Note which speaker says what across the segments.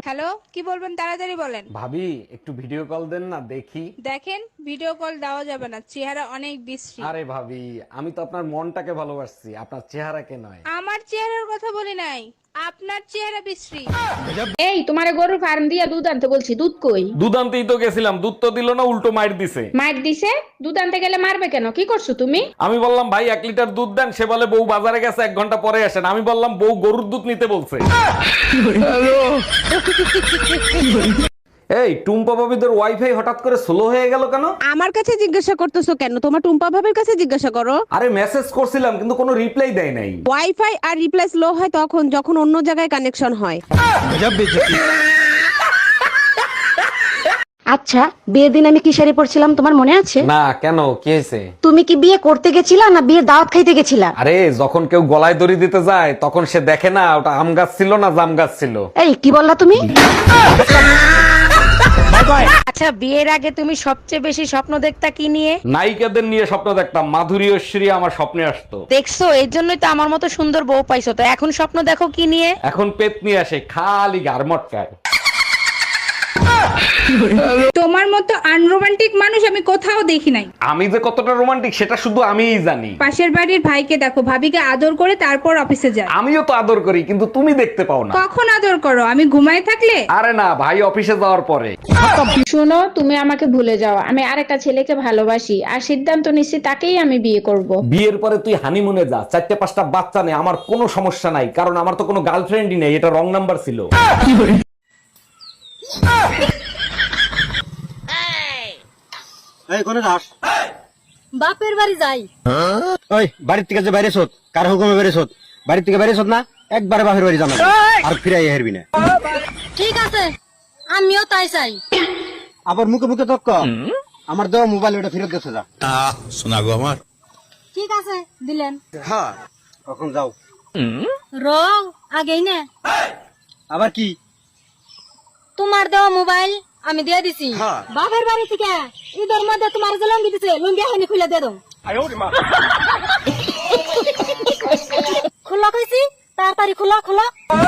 Speaker 1: Hello, কি বলবেন তাড়াতাড়ি বলেন।
Speaker 2: ভাবি একটু ভিডিও কল দেন না দেখি।
Speaker 1: দেখেন, ভিডিও কল দেওয়া যাবে না, চেহারা অনেক বিশ্রী।
Speaker 2: আরে ভাবি, আমি তো আপনার মনটাকে ভালোবাসছি, আপনার চেহারাকে নয়।
Speaker 1: আমার চেহারার কথা বলি নাই, আপনার চেহারা বিশ্রী।
Speaker 3: এই তোমারে গরুর ফার্ম দিয়া দুধ আনতে বলছি, দুধ কই?
Speaker 2: দুধ আনতেই তো গেছিলাম, দুধ তো দিল না, উল্টো মাইর দিছে।
Speaker 3: মার দিছে? দুধ আনতে গেলে মারবে কেন? কি করছো তুমি?
Speaker 2: আমি বললাম ভাই 1 লিটার দুধ দেন, সে বলে বউ বাজারে গেছে 1 ঘন্টা পরে আসেন। আমি বললাম বউ গরুর দুধ নিতে বলছে। এই টুম্পা ভাবিদের ওয়াইফাই হঠাৎ করে স্লো হয়ে গেল কেন?
Speaker 4: আমার কাছে জিজ্ঞাসা করতেছো কেন? তোমার টুম্পা ভাবের কাছে জিজ্ঞাসা করো।
Speaker 2: আরে মেসেজ করছিলাম কিন্তু কোনো রিপ্লাই দেয় নাই।
Speaker 4: ওয়াইফাই আর রিপ্লাই স্লো হয় তখন যখন অন্য জায়গায় কানেকশন হয়।
Speaker 5: আচ্ছা, বিয়ের দিন আমি কি শাড়ি পরছিলাম তোমার মনে আছে?
Speaker 2: না, কেন, কি হয়েছে?
Speaker 5: তুমি কি বিয়ে করতে গেছিলা না বিয়ের দাওয়াত খাইতে গেছিলা?
Speaker 2: আরে যখন কেউ গলায় দড়ি দিতে যায় তখন সে দেখে না ওটা আম গাছ ছিল না জাম গাছ ছিল।
Speaker 5: এই কি বললা তুমি?
Speaker 3: আচ্ছা, বিয়ের আগে তুমি সবচেয়ে বেশি স্বপ্ন দেখতা কি নিয়ে?
Speaker 2: নায়িকাদের নিয়ে স্বপ্ন দেখতাম, মাধুরী ঐশ্বরী আমার স্বপ্নে আসতো।
Speaker 3: দেখছো, এর জন্যই তো আমার মতো সুন্দর বউ পাইছো। তো এখন স্বপ্ন দেখো কি নিয়ে?
Speaker 2: এখন পেত নিয়ে আসে, খালি গারমটকায়।
Speaker 1: তোমার মতো আনরোমান্টিক মানুষ আমি কোথাও দেখি নাই।
Speaker 2: আমি যে কতটা রোমান্টিক সেটা শুধু আমিই জানি।
Speaker 1: পাশের বাড়ির ভাইকে দেখো, ভাবিকে আদর করে তারপর অফিসে যায়।
Speaker 2: আমিও তো আদর করি কিন্তু তুমি দেখতে পাও না।
Speaker 1: কখন আদর করো? আমি ঘুমায় থাকলে?
Speaker 2: আরে না, ভাই অফিসে যাওয়ার পরে।
Speaker 3: শোনো, তুমি আমাকে ভুলে যাও। আমি আরেকটা ছেলেকে ভালোবাসি আর সিদ্ধান্ত নিচ্ছি তাকেই আমি বিয়ে করব।
Speaker 2: বিয়ের পরে তুই হানিমুনে যা, 4-5টা বাচ্চা নেই, আমার কোনো সমস্যা নাই, কারণ আমার তো কোনো গার্লফ্রেন্ডই নেই, এটা রং নাম্বার ছিল।
Speaker 6: এই কোনে যাস?
Speaker 7: বাপের বাড়ি যাই।
Speaker 6: ওই বাড়ির থেকে যে বাইরে সোত, কার হুকুমে বাইরে সোত? বাড়ির থেকে বাইরে সোত না, একবারে বাপের বাড়ি জানা আর ফিরাই হেরবি না।
Speaker 7: ঠিক আছে, আমিও তাই চাই।
Speaker 6: আবার মুখে মুখে তক্ক, আমার দেওয়া মোবাইল ওটা ফেরত গেছে যা।
Speaker 8: শোনাগো আমার।
Speaker 7: ঠিক আছে, দিলেন।
Speaker 6: হ্যাঁ, কখন যাও?
Speaker 7: রং আগেই না,
Speaker 6: আবার কি?
Speaker 7: তোমার দেওয়া মোবাইল আমি দিয়ে দিছি।
Speaker 6: হ্যাঁ।
Speaker 7: বাপের বাড়ি থেকে ঈদের মধ্যে তোমার যে লঙ্গি দিছে, লঙ্গি হানি খুলে দিয়ে দাও। খোলা কইছি, তাড়াতাড়ি খোলা খোলা।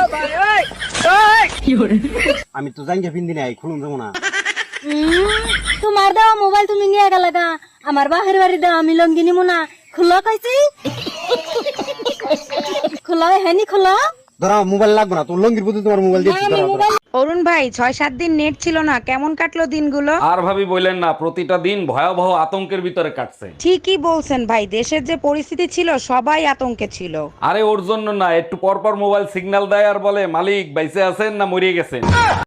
Speaker 6: আমি তো জাঙ্গিয়া পিন্দি নাই, খুলুন যাবো না।
Speaker 7: তোমার দেওয়া মোবাইল তুমি নিয়ে গেলে গা, আমার বাপের বাড়ি দেওয়া আমি লঙ্গি নিমু না। খোলা কইছি, খোলা হানি খোলা।
Speaker 6: ধরো মোবাইল লাগবে না, তোর লঙ্গির প্রতি তোমার মোবাইল দিচ্ছি।
Speaker 3: অরুণ ভাই, 6-7 দিন নেট ছিল না, কেমন কাটলো দিনগুলো?
Speaker 2: আর ভাবি বললেন না, প্রতিটা দিন ভয়াবহ আতঙ্কের ভিতরে কাটছে।
Speaker 3: ঠিকই বলছেন ভাই, দেশের যে পরিস্থিতি ছিল সবাই আতঙ্কে ছিল।
Speaker 2: আরে ওর জন্য না, একটু পর পর মোবাইল সিগন্যাল দেয় আর বলে মালিক বাইসে আছেন না মরিয়ে গেছেন।